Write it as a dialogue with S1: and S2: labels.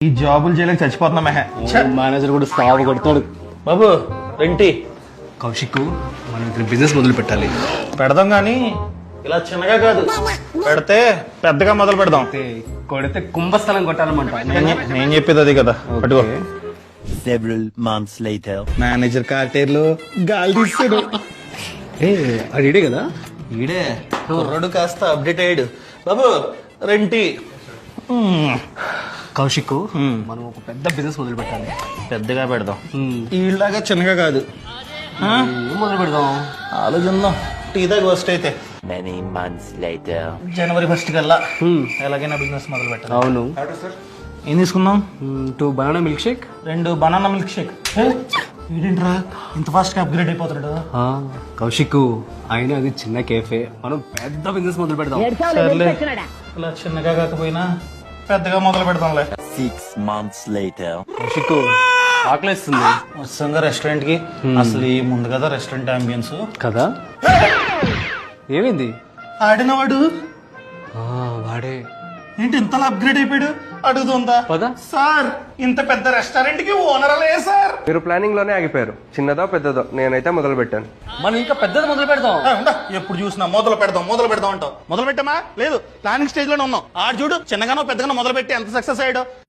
S1: ఈ జాబులు చేయలేక చచ్చిపోతున్నా మెహ.
S2: మేనేజర్ కూడా సాగు కొడతాడు.
S1: బాబు రెంటి
S2: కౌశిక్, మనం ఇక్కడ బిజినెస్ మొదలు పెట్టాలి.
S1: పెడదాం గానీ ఇలా చిన్నగా కాదు, పెడితే పెద్దగా మొదలు పెడదాం.
S2: కొడితే కుంభస్థలం కొట్టాలన్నమాట.
S1: నేను చెప్పేది అది కదా. పట్టుకో.
S3: Several months later.
S1: మేనేజర్ కార్టేర్లో గాలి తీస్తాడు.
S2: అది ఇడే కదా.
S1: ఈడే కుర్రాడు కాస్త అప్డేట్ అయ్యాడు. బాబు రెంటి
S2: కౌశిక్, మనం ఒక పెద్ద బిజినెస్ మొదలు పెట్టాలి.
S1: పెద్దగా పెడదాం, ఈళ్ళగా చిన్నగా కాదు.
S2: ఏం మొదలు పెడదాం
S1: ఆలోచిద్దాం. టీ దాకా ఫస్ట్ అయితే
S3: Many months later.
S1: జనవరి 1 కల్లా ఎలాగైనా బిజినెస్ మొదలు పెట్టాలి.
S2: అవును.
S1: ఏం తీసుకుందాం?
S2: 2 banana milk shake,
S1: 2 banana milk shake. ఏంటరా ఇంత ఫాస్ట్ గా అప్గ్రేడ్ అయిపోతాడు?
S2: కౌశిక్ అయినా అది చిన్న కేఫే, మనం పెద్ద బిజినెస్ మొదలు పెడదాం.
S1: సర్లే, ఇలా చిన్నగా కాకపోయినా పెద్దగా మొదలు పెడతాంలే.
S3: 6 months later.
S2: కౌశిక్, ఆకలేస్తుంది
S1: వస్తాంగా రెస్టారెంట్ కి. అసలు ఈ ముందు కదా రెస్టారెంట్ అంబియన్స్
S2: కదా. ఏమైంది?
S1: ఆడినవాడు
S2: వాడే.
S1: ఏంటి ఇంతలా అప్గ్రేడ్ అయిపోయాడు? అడుగుతుందా
S2: పద.
S1: సార్, ఇంత పెద్ద రెస్టారెంట్ కి ఓనర్లే సార్.
S4: మీరు ప్లానింగ్ లోనే ఆగిపోయారు. చిన్నదో పెద్దదో నేనైతే మొదలు పెట్టాను.
S2: మనం ఇంకా పెద్దది మొదలు పెడదాం.
S1: ఎప్పుడు చూసినా మొదలు పెడదాం అంటావు. మొదలు పెట్టామా? లేదు, ప్లానింగ్ స్టేజ్ లోనే ఉన్నాం. ఆడు చూడు చిన్నగానో పెద్దగానో మొదలు పెట్టి ఎంత సక్సెస్ అయ్యాడో.